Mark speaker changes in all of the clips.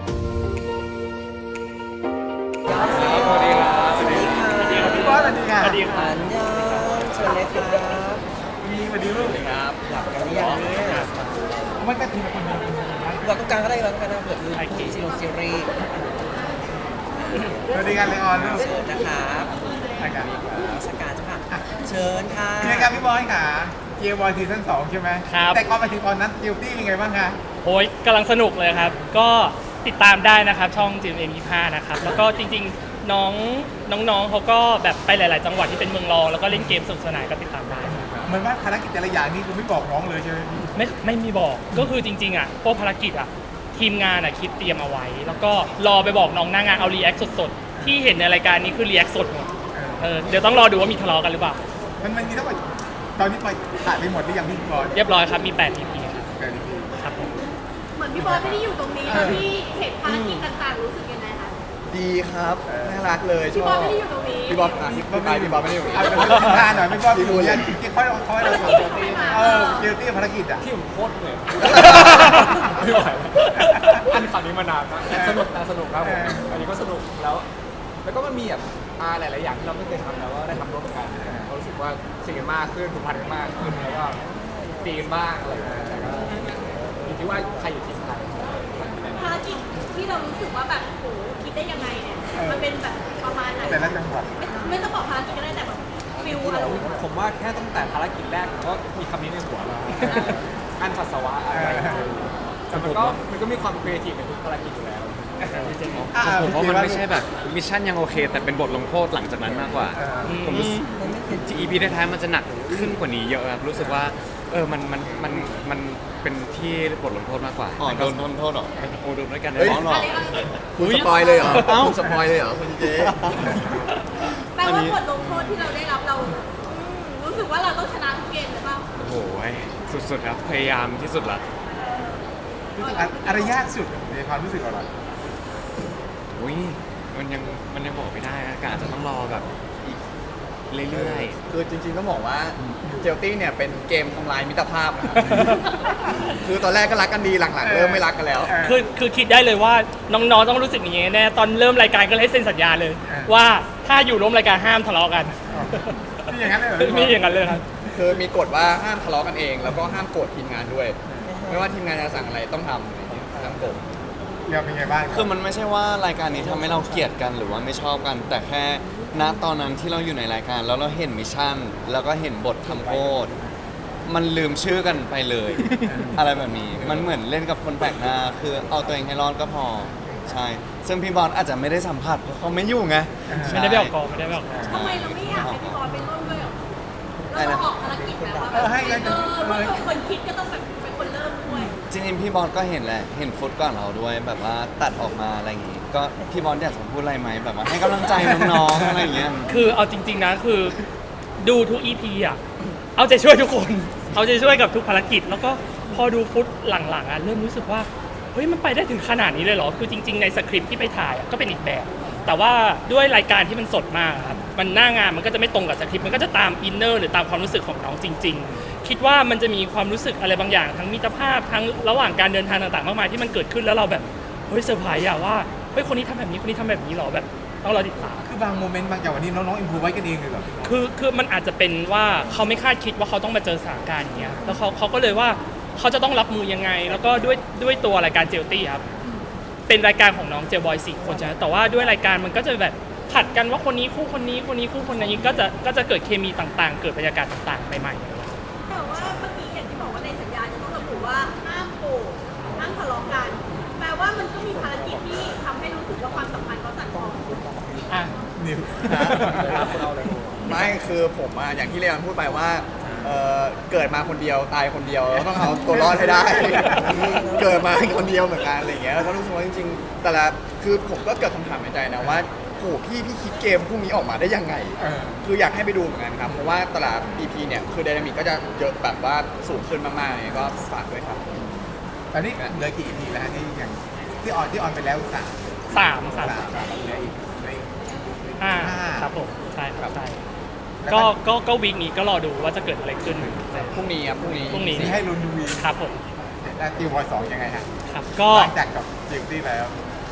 Speaker 1: สวัสดีครับสวัสดีค่ะ
Speaker 2: พี่บอสสวัสดีค่ะ
Speaker 1: สวัสดีครั
Speaker 3: อั
Speaker 1: บ
Speaker 3: นยองเชิญเลยครับ
Speaker 2: มีสวัสดีลูก
Speaker 1: ครับ
Speaker 3: หลับกันหรือยังเนี่ย
Speaker 2: มันก็ทีละคนเดียว
Speaker 3: เราต้องการก็ได้เราต้องการนะเผื่อคือซีรีส์
Speaker 2: สวัสดีกันเลยออนลูก
Speaker 3: เชิญนะครับ
Speaker 2: รายการ
Speaker 3: รัชการเจ้าค่ะเชิญค่ะ
Speaker 2: เป็นไงครับพี่บอยค่ะเกียร์บอยซีซั่น2ใช่ไหม
Speaker 1: ครับ
Speaker 2: แต่ก่อนไปถึงตอนนั้นกิลตี้เป็นไงบ้างคะ
Speaker 1: โอ้ยกำลังสนุกเลยครับ ก็ติดตามได้นะครับช่อง GMM25 นะครับ แล้วก็จริงๆน้องเขาก็แบบไปหลาย ๆ จังหวัดที่เป็นเมืองรองแล้วก็เล่นเกมสนุกสนานก็ติดตามได้ครับ
Speaker 2: เหมือนว่าภารกิจแต่ละอย่างนี่คือไม่บอกน้องเลยใช่ไหม
Speaker 1: ไม่มีบอกก็คือจริงๆอ่ะพวกภารกิจอ่ะทีมงานอ่ะคิดเตรียมเอาไว้ แล้วก็รอไปบอกน้องหน้างานเอารีแอคสดๆที่เห็นในรายการนี้คือรีแอคสดหมดเดี๋ยวต้องรอดูว่ามีทะเลาะกันหรือเปล่า
Speaker 2: มันมีทั้งหมดตอนนี้ไปถ่ายไปหมดหรือยังพี่บอย
Speaker 1: เรียบร้อยครับมี8 EP ครับ
Speaker 2: เกิดอะไร
Speaker 1: ครับผม
Speaker 4: เหมือนพี่บอสไม่ได้อยู่ตรงนี้ตอนที่เห็นภารกิจต่างๆรู้สึกยังไงคะ
Speaker 5: ดีครับน่ารักเลยช
Speaker 4: พี่
Speaker 5: อ
Speaker 4: บบ อสไม่ได้อยู่ตรงนี้
Speaker 5: พี่บอลพี่บอลไม่ได้อยู่
Speaker 2: เอาเป็นทิศทางหน่อยพี่บอยพี่บอยค่อยๆ
Speaker 4: ภารกิจของพี่มา
Speaker 2: กิลตี้ภารกิจอ่ะ
Speaker 6: ที่ผมโคตรเหนื่อยไม่ไหวอันคำนี้มานานมากแต่สนุกครับผมอันนี้ก็สนุกแล้วก็มันมีแบบหลายๆอย่างที่เราไม่เคยทำแล้วก็ได้ทำร่วมกันเรารู้สึกว่าสิ่งกันมากขึ้นผูกพันกันมากขึ้นแล้วก็ตีกันบ้างอะไรอย่างเงี้ยแล้วก็อยู่ที่ว่าใครอยู่ทีมใคร
Speaker 4: ภารกิจที่เรารู้สึกว่าแบบโหคิดได้ยังไงเนี่ยมันเป็นแบบประมาณไหน
Speaker 2: แต่ละจังหวัด
Speaker 4: ไม่ต้องบอกภารกิจก็ได้แต่แบบฟิลอะไร
Speaker 6: ผมว่าแค่ตั้งแต่ภารกิจแรกผมก็มีคำนี้ในหัวแล้วอันปัสสาวะอะไรแต่มันก็มีความครีเอทีฟในทุกภารกิจอยู่แล้ว
Speaker 7: ผมว่ามันไม่ใช่แบบมิชชั่นยังโอเค แต่เป็นบทลงโทษหลังจากนั้นมากกว่า ผมรู้สึกที่ EP ท้ายๆมันจะหนักขึ้นกว่านี้เยอะครับรู้สึกว่ามันเป็นที่บทลงโทษมากกว่า
Speaker 5: อ๋อโดนทำโทษเหรอ
Speaker 7: โอ้โดนด้วยกัน
Speaker 5: เฮ้ย
Speaker 7: น้องหรอ
Speaker 5: คุณสปอยเลยเหรอคุณสปอยเลยเหรอคุณเจ๊
Speaker 4: แปลว่าบทลงโทษที่เราได้รับเรารู้สึกว่าเราต้องชนะทุกเกมหรือเปล่า
Speaker 7: โอ้โหสุดๆครับพยายามที่สุดละ
Speaker 2: รู้สึกอะไรยากสุดในความรู้สึกของเรา
Speaker 7: อุ้ยมันยังบอกไม่ได้นะกอาจจะต้องรอแบบอีกเรื่อย
Speaker 5: คือจริงๆต้องบอกว่าเจลตี้เนี่ยเป็นเกมทำลายมิตรภาพนะครับคือตอนแรกก็รักกันดีหลังๆเริ่มไม่รักกันแล้ว
Speaker 1: คือคิดได้เลยว่าน้องๆต้องรู้สึกอย่างนี้แน่ตอนเริ่มรายการก็เลยให้เซ็นสัญญาเลย ว่าถ้าอยู่ร่วมรายการห้ามทะเลาะกัน
Speaker 2: นี่อย่างนั้นเลยเหรอ
Speaker 1: มีอย่างนั้นเลยครับ
Speaker 5: คือมีกฎว่าห้ามทะเลาะกันเอง แล้วก็ห้ามโกรธทีมงานด้วย ไม่ว่าทีมงานจะสั่งอะไรต้องทำอะไรอย่างเงี้ยห้ามโกรธ
Speaker 2: เดี๋ยวเป็นไงบ้าง
Speaker 8: คือมันไม่ใช่ว่ารายการนี้ทำให้เราเกลียดกันหรือว่าไม่ชอบกัน แต่แค่ณตอนนั้นที่เราอยู่ในรายการแล้วเราเห็นมิชชั่น แล้วก็เห็นบททำโทษมันลืมชื่อกันไปเลย อะไรแบบนี้มันเหมือนเล่นกับคนแปลกหน้า คือเอาตัวเองให้รอดก็พอใช่ซึ่งพี่บอลอาจจะไม่ได้สัมผัสเพราะเขาไม่อยู่ไง
Speaker 1: ไม่ได้ไปออกกองไม่ได้ไปออกกอง
Speaker 4: ทำไมเราไม่อยากให้พี่บอสไปร่วมด้วยหรอเราออกภารกิจแบบว่าคนคิดก็ต้องแบบเป็นคนเริ่มด้วย
Speaker 8: จริงๆพี่บอลก็เห็นแหละเห็นฟุตก่อนเราด้วย แบบว่าตัดออกมาอะไรอย่างงี้ ก็พี่บอลอยากจะพูดอะไรไหมแบบว่าให้กำลังใจน้องๆอะไรอย่างเงี้ย
Speaker 1: คือเอาจริงๆนะคือดูทุก EP อ่ะเอาใจช่วยทุกคน เอาใจช่วยกับทุกภารกิจ แล้วก็พอดูฟุตหลังๆอ่ะเริ่มรู้สึกว่าเฮ้ยมันไปได้ถึงขนาดนี้เลยเหรอคือจริงๆในสคริปต์ที่ไปถ่ายอะก็เป็นอีกแบบ แต่ว่าด้วยรายการที่มันสดมากครับมันหน้างานมันก็จะไม่ตรงกับสคริปต์มันก็จะตามอินเนอร์หรือตามความรู้สึกของน้องจริง ๆ คิดว่ามันจะมีความรู้สึกอะไรบางอย่างทั้งมิตรภาพทั้งระหว่างการเดินทางต่างๆมากมายที่มันเกิดขึ้นแล้วเราแบบเฮ้ยเซอร์ไพรส์อะว่าเฮ้ยคนนี้ทำแบบนี้คนนี้ทำแบบนี้เหรอแบบต้องรอติดตาม
Speaker 2: คือบางโมเมนต์บางอย่างวันนี้น้องๆอินพูไว้กันเองเลยเหรอ
Speaker 1: คือมันอาจจะเป็นว่าเขาไม่คาดคิดว่าเขาต้องมาเจอสถานการณ์อย่างเงี้ยแล้วเขาก็เลยว่าเขาจะต้องรับมือยังไง แล้วก็ด้วยตัวรายการเจลตี้ครับเป็นรายการของน้องเจลบอย4 คนใช่ไหมแต่ว่าด้วยรายการมันก็จะแบบผัดกันว่าคนนี้คู่คนนี้คนนี้คู่คนนี้ก็จะเกิดเคมีต่างๆ เกิดบรรยากาศต่างๆใหม่ๆ
Speaker 4: แต่ว่าเมื่อกี้อย่างที่บอกว่าในสัญญาจะต้องระบุว่าห้ามโกรธห้ามทะเลาะกัน แปลว่ามันก็มีภารกิจที่ทำให้รู้สึกว่าความสัมพันธ์เขาสั่นคลอน
Speaker 1: อ่ะ
Speaker 2: นิว
Speaker 5: ไม่คือผมอะอย่างที่เรียนพูดไปว่าเกิดมาคนเดียวตายคนเดียวแล้วต้องเอาตัวรอดให้ได้ เกิดมาคนเดียวเหมือนกันอะไรอย่างเงี้ยแล้วก็รู้สึกว่าจริงๆแต่ละคือผมก็เกิดคำถามในใจนะว่าโหพี่คิดเกมพวกนี้ออกมาได้ยังไง คืออยากให้ไปดูเหมือนกันครับเพราะว่าแต่ละ EP เนี่ยคือไดนามิกก็จะเยอะแบบว่าสูงขึ้นมากๆเลยก็ฝากด้วยครับ
Speaker 2: ตอนนี้เหลือกี่ EP แล้วฮะที่ยังที่ออนไปแล้วสาม
Speaker 1: สาม
Speaker 2: เหลืออีก
Speaker 1: ห้า
Speaker 2: ห้า
Speaker 1: ครับผมใช่ครับใช่
Speaker 2: แล้ว
Speaker 1: ก็วีคนี้ก็รอดูว่าจะเกิดอะไรขึ้น
Speaker 5: พรุ่งนี้ครับพรุ่งนี้
Speaker 1: พรุ่งนี้
Speaker 2: ที่ให้ลุ้นดูวี
Speaker 1: ครับผม
Speaker 2: แล้วติวบอย2ยังไงฮะ
Speaker 1: ครับก็
Speaker 2: หลังจากกับจิวตี้แล้ว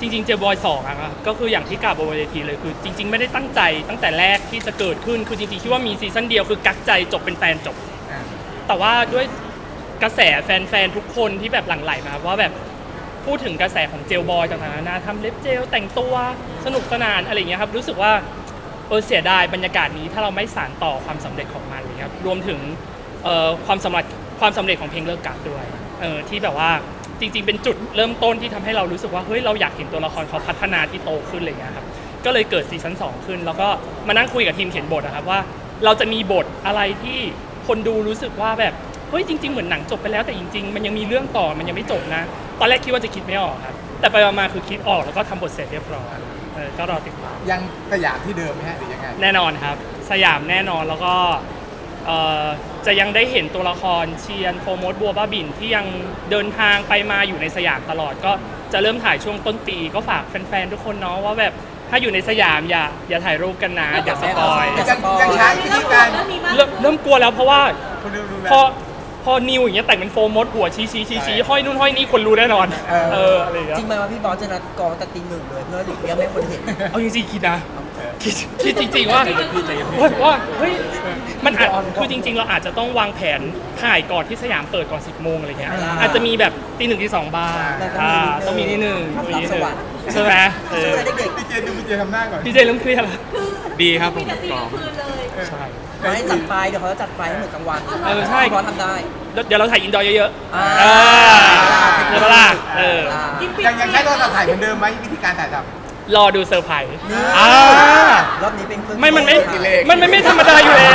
Speaker 1: จริงๆเจลบอย2อะครับก็คืออย่างที่กล่าวบนเวทีเลยคือจริง ๆ ไม่ได้ตั้งใจตั้งแต่แรกที่จะเกิดขึ้นคือจริงๆคิดว่ามีซีซั่นเดียวคือกักใจจบเป็นแฟนจบ แต่ว่าด้วยกระแสแฟนๆทุกคนที่แบบหลั่งไหลมาว่าแบบพูดถึงกระแสของเจลบอยต่างๆนานาทำเล็บเจลแต่งตัวสนุกสนานอะไรอย่างเงี้ยครับรู้สึกว่าเสียดายบรรยากาศนี้ถ้าเราไม่สานต่อความสำเร็จของมันเลยครับรวมถึงความสำเร็จของเพลงเลิกกักด้วยที่แบบว่าจริงๆเป็นจุดเริ่มต้นที่ทำให้เรารู้สึกว่าเฮ้ยเราอยากเห็นตัวละครเขาพัฒนาที่โตขึ้นอะไรเงี้ยครับก็เลยเกิดซีซั่น2ขึ้นแล้วก็มานั่งคุยกับทีมเขียนบทนะครับว่าเราจะมีบทอะไรที่คนดูรู้สึกว่าแบบเฮ้ยจริงๆเหมือนหนังจบไปแล้วแต่จริงๆมันยังมีเรื่องต่อมันยังไม่จบนะตอนแรกคิดว่าจะคิดไม่ออกครับแต่ไปมาคือคิดออกแล้วก็ทำบทเสร็จเรียบร้อยก็รอติดตาม
Speaker 2: ยังสยามที่เดิมไหมฮะหรือยังไง
Speaker 1: แน่นอนครับสยามแน่นอนแล้วก็จะยังได้เห็นตัวละครเชียนโฟมดบัวบ้าบินที่ยังเดินทางไปมาอยู่ในสยามตลอดก็จะเริ่มถ่ายช่วงต้นปีก็ฝากแฟนๆทุกคนเนาะว่าแบบถ้าอยู่ในสยามอย่าถ่ายรูปกันนะอย่าสปอย
Speaker 2: ยังใช้วิธีการ
Speaker 1: เริ่มกลัวแล้วเพราะว่า
Speaker 2: คนดูดูแล
Speaker 1: พอนิวอย่างเงี้ยแต่งเป็นโฟมดหัวชี้ห้อยนู่นห้อยนี่คนรู้แน่นอนอะไรอย่างเงี้ย
Speaker 3: จริงไหมว่าพี่บอสจะนัดกองแต่ตี 1เลยเพื่อหลีกเลี่ยงไม่ให้คนเห็น
Speaker 1: เอาจริงๆคิดนะคิดจริงๆว่าเฮ้ยมันอาจคือจริงๆเราอาจจะต้องวางแผนถ่ายก่อนที่สยามเปิดก่อน10 โมงอะไรเงี้ยอาจจะมีแบบตี 1 ตี 2บ้างต้องมีนิดนึง
Speaker 3: รับสวรรค์
Speaker 1: ใช่ไหม
Speaker 3: ซึ่งเด็ก
Speaker 2: พี่เจดูพี่เจทำหน้าก่อน
Speaker 1: พี่เจเริ่มเครียดแล้ว
Speaker 7: ดีครับผม
Speaker 4: มีแต่ตี
Speaker 7: กรอบ
Speaker 4: คืนเลย
Speaker 1: ใช่
Speaker 3: ๆไม่ให้จัดไฟเดี๋ยวเขาจะจัดไฟให้เหมือนกลางวัน
Speaker 1: ใช่
Speaker 3: พี่บอสทำได้
Speaker 1: เดี๋ยวเราถ่ายอินดอร์เยอะ
Speaker 3: อ่า
Speaker 1: เดี๋ยวล่ะ
Speaker 2: ยังใช้โทรศัพท์ถ่ายเหมือนเดิมไหมวิธีการถ่ายทำ
Speaker 1: รอดูเซอร์ไพรส์
Speaker 3: รอบนี้เป็นเครื่อง
Speaker 1: มันไม่ธรรมดาอยู่แล้ว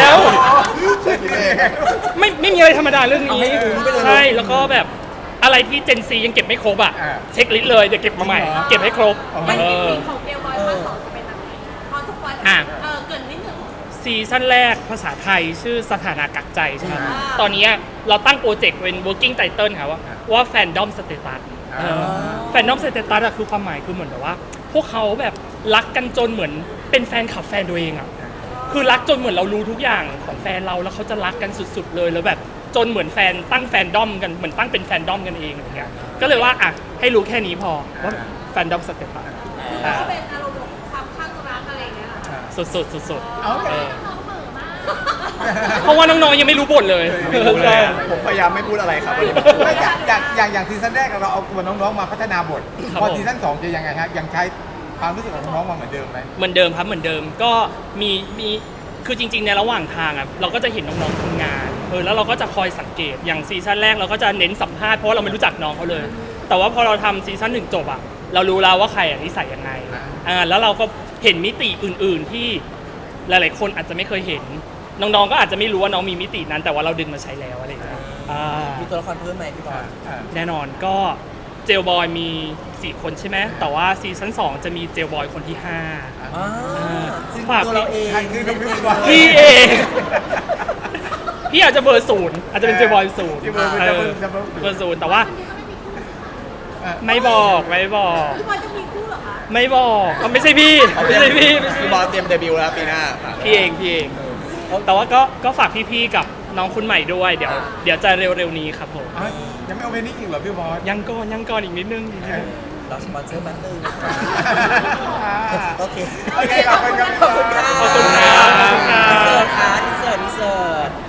Speaker 1: ไม่มีอะไรธรรมดาเรื่องนี้ใช่แล้วก็แบบอะไรที่เจนซียังเก็บไม่ครบอ่ะเช็คลิสต์เลยเดี๋ยวเก็บมาใหม่เก็บให้ครบ
Speaker 4: มันเป็นปีของเกลบอยภาค2จะเป็นแบบไหนพอสปอยเกินนิดนึง
Speaker 1: ซีซั่นแรกภาษาไทยชื่อสถานะกักใจใช่ไหมตอนนี้เราตั้งโปรเจกต์เป็น working title ค่ะว่า fandom status fandom status อะคือความหมายคือเหมือนแบบว่าพวกเขาแบบรักกันจนเหมือนเป็นแฟนคลับแฟนตัวเองอะคือรักจนเหมือนเรารู้ทุกอย่างของแฟนเราแล้วเขาจะรักกันสุดๆเลยแล้วแบบจนเหมือนแฟนตั้งแฟนดอมกันเหมือนตั้งเป็นแฟนดอมกันเองอะไรเงี้ยก็เลยว่าอ่ะให้รู้แค่นี้พอว่า fandom status
Speaker 4: ก็เป็นอารมณ์ของความข้างรักอะไรอย่างเงี้ยค่ะ
Speaker 1: สุด
Speaker 2: เอาเลย
Speaker 4: น้องเหม่อมาก
Speaker 1: เพราะว่าน้องๆยังไม่รู้บทเลย
Speaker 5: ผมพยายามไม่พูดอะไรครับวันนี้
Speaker 2: ไม่อย่างซีซั่นแรกเราเอาตัวน้องๆมาพัฒนาบท
Speaker 1: ครับ
Speaker 2: พอ
Speaker 1: ผม
Speaker 2: ซีซั่น2จะยังไงฮะยังใช้ความรู้สึกของน้องๆมาเหมือนเดิมไหม
Speaker 1: เหมือนเดิมครับเหมือนเดิมก็มีคือจริงๆในระหว่างทางอ่ะเราก็จะเห็นน้องๆทำงานแล้วเราก็จะคอยสังเกตอย่างซีซั่นแรกเราก็จะเน้นสัมภาษณ์เพราะว่าเราไม่รู้จักน้องเขาเลย แต่ว่าพอเราทำซีซั่น1จบอ่ะเรารู้แล้วว่าใครนิสัยยังไงแล้วเราก็เห็นมิติอื่นๆที่หลายๆคนอาจจะไม่เคยเห็นน้องๆก็อาจจะไม่รู้ว่าน้องมีมิตินั้นแต่ว่าเราดึงมาใช้แล้วอะไรอย่างเงี้ย
Speaker 3: มีตัวละครเพิ่มไหมพี่บอส
Speaker 1: แน่นอนก็เจลบอยมี4คนใช่ไหมแต่ว่าซีซั่น2จะมีเจลบอยคนที่5
Speaker 3: ซึ่ง
Speaker 1: ฝาก
Speaker 3: ตัวเราเอง
Speaker 2: คือน้องพี่บอล
Speaker 1: พี่เองพี่อาจจะเบอร์ 0อาจจะเป็นเจลบอย 0
Speaker 2: ที่เบอร์จะเบอร์จะเบอร์
Speaker 1: เบอร์ 0แต่ว่าไม่บอก
Speaker 4: พี่บอยจะมีคู่เหรอคะ
Speaker 1: ไม่บอกไม่ใช่พี่ไม่ใช่พี่
Speaker 5: พี่บอสเตรียมเดบิวต์แล้วปีหน้า
Speaker 1: พี่เองแต่ว่าก็ฝากพี่ๆกับน้องคุณใหม่ด้วยเดี๋ยวจะเร็วๆนี้ครับผม
Speaker 2: ยังไม่เอาไปนี่อีกเหรอพี่บอส
Speaker 1: ยังก่อนอีกนิดนึง
Speaker 3: เราสปอนเซอร์แป๊บนึง โอเค
Speaker 2: โอเคขอบคุณครับ
Speaker 3: ขอบคุณค่ะ
Speaker 1: ขอบคุณครับ
Speaker 3: อินเสิร์ตค่ะอินเสิร์ต